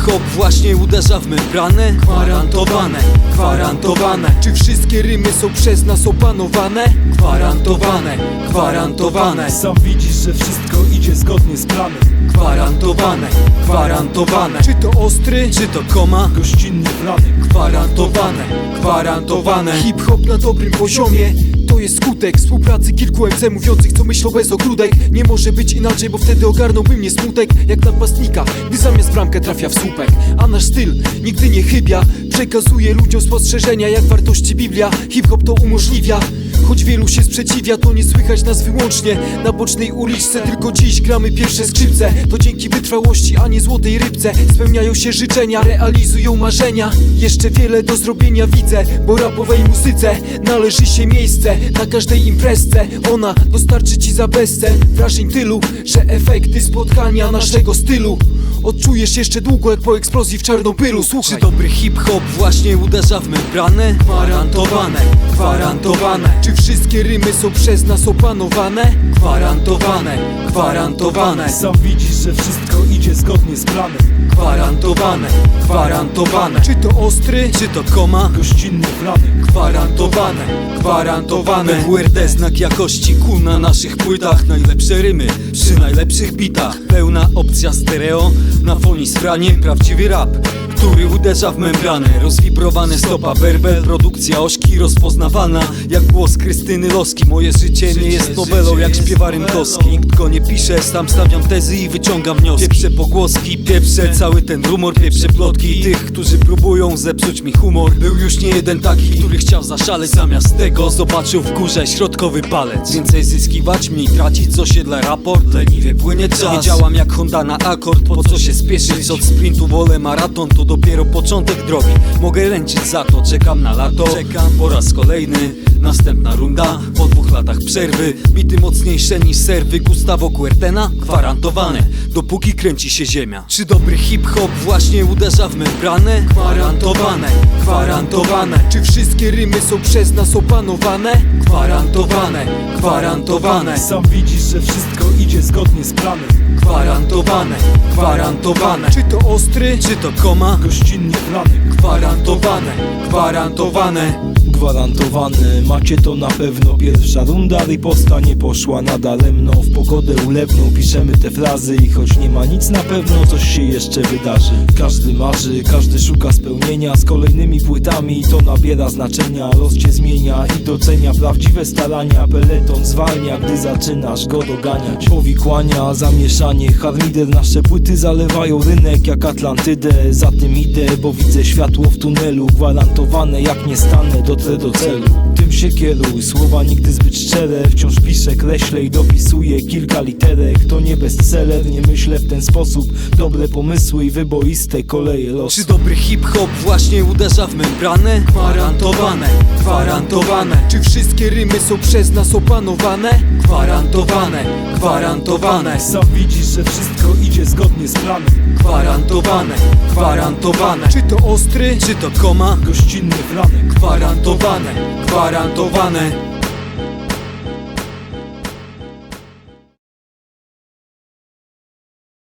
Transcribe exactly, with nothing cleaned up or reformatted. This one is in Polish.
hip-hop właśnie uderza w membranę? Gwarantowane, gwarantowane. Czy wszystkie rymy są przez nas opanowane? Gwarantowane, gwarantowane. Sam widzisz, że wszystko idzie zgodnie z planem. Gwarantowane, gwarantowane. Czy to ostry, czy to koma? Gościnny planek. Gwarantowane, gwarantowane. Hip-hop na dobrym poziomie to jest skutek współpracy kilku em ce mówiących, co myślą bez ogródek. Nie może być inaczej, bo wtedy ogarnąłby mnie smutek jak napastnika, gdy zamiast bramkę trafia w słupek. A nasz styl nigdy nie chybia, przekazuje ludziom spostrzeżenia jak wartości Biblia. Hip-hop to umożliwia, choć wielu się sprzeciwia, to nie słychać nas wyłącznie na bocznej uliczce. Tylko dziś gramy pierwsze skrzypce, to dzięki wytrwałości, a nie złotej rybce. Spełniają się życzenia, realizują marzenia. Jeszcze wiele do zrobienia widzę, bo rapowej muzyce należy się miejsce na każdej imprezce. Ona dostarczy ci za bezcen wrażeń tylu, że efekty spotkania naszego stylu odczujesz jeszcze długo jak po eksplozji w Czarnobylu. Słuchaj. Czy dobry hip-hop właśnie uderza w membranę? Gwarantowane, gwarantowane. Czy wszystkie rymy są przez nas opanowane? Gwarantowane, gwarantowane. Sam widzisz, że wszystko idzie zgodnie z planem. Gwarantowane, gwarantowane. Czy to ostry, czy to koma? Gościnny planek. Gwarantowane, gwarantowane. P W R D znak jakości ku na naszych płytach. Najlepsze rymy przy najlepszych bitach. Pełna opcja stereo na fonii z franiem. Prawdziwy rap, który uderza w membranę. Rozwibrowane stopa werbel, produkcja ośki rozpoznawana jak głos Krystyny Loski. Moje życie nie jest nowelą jak śpiewa Rymkowski. Nikt go nie pisze, sam stawiam tezy i wyciągam wnioski. Pieprze pogłoski, pieprze cały ten rumor, pieprze plotki tych, którzy próbują zepsuć mi humor. Był już nie jeden taki, który chciał zaszaleć. Zamiast tego zobaczył w górze środkowy palec. Więcej zyskiwać, mniej tracić, z osiedla raport. Leniwie płynie czas, nie działam jak Honda na akord. Po co się spieszyć, od sprintu wolę maraton. To dopiero początek drogi, mogę ręczyć za to. Czekam na lato, czekam po raz kolejny. Następna runda, po dwóch latach przerwy. Bity mocniejsze niż serwy Gustavo Kuertena. Gwarantowane, dopóki kręci się ziemia. Czy dobry hip-hop właśnie uderza w membranę? Gwarantowane, gwarantowane. Czy wszystkie rymy są przez nas opanowane? Gwarantowane, gwarantowane. Sam widzisz, że wszystko idzie zgodnie z planem. Gwarantowane, gwarantowane. Czy to ostry, czy to koma? Gościnny planek. Gwarantowane, gwarantowane. Gwarantowane, macie to na pewno. Pierwsza runda riposta nie poszła nadaremno. W pogodę ulewną piszemy te frazy i choć nie ma nic na pewno, coś się jeszcze wydarzy. Każdy marzy, każdy szuka spełnienia. Z kolejnymi płytami to nabiera znaczenia. Los cię zmienia i docenia prawdziwe starania. Peleton zwalnia, gdy zaczynasz go doganiać. Powikłania, zamieszanie, harmider. Nasze płyty zalewają rynek jak Atlantydę. Za tym idę, bo widzę światło w tunelu. Gwarantowane, jak nie stanę, dotrę do celu. Tym się kieruj, słowa nigdy zbyt szczere. Wciąż piszę, kreślę i dopisuję kilka literek. To nie bestseller, nie myślę w ten sposób. Dobre pomysły i wyboiste koleje losu. Czy dobry hip-hop właśnie uderza w membranę? Gwarantowane, gwarantowane. Czy wszystkie rymy są przez nas opanowane? Gwarantowane, gwarantowane. Sam widzisz, że wszystko idzie zgodnie z planem. Gwarantowane, gwarantowane. Czy to ostry, czy to koma? Gościnny planek. Gwarantowane, gwarantowane.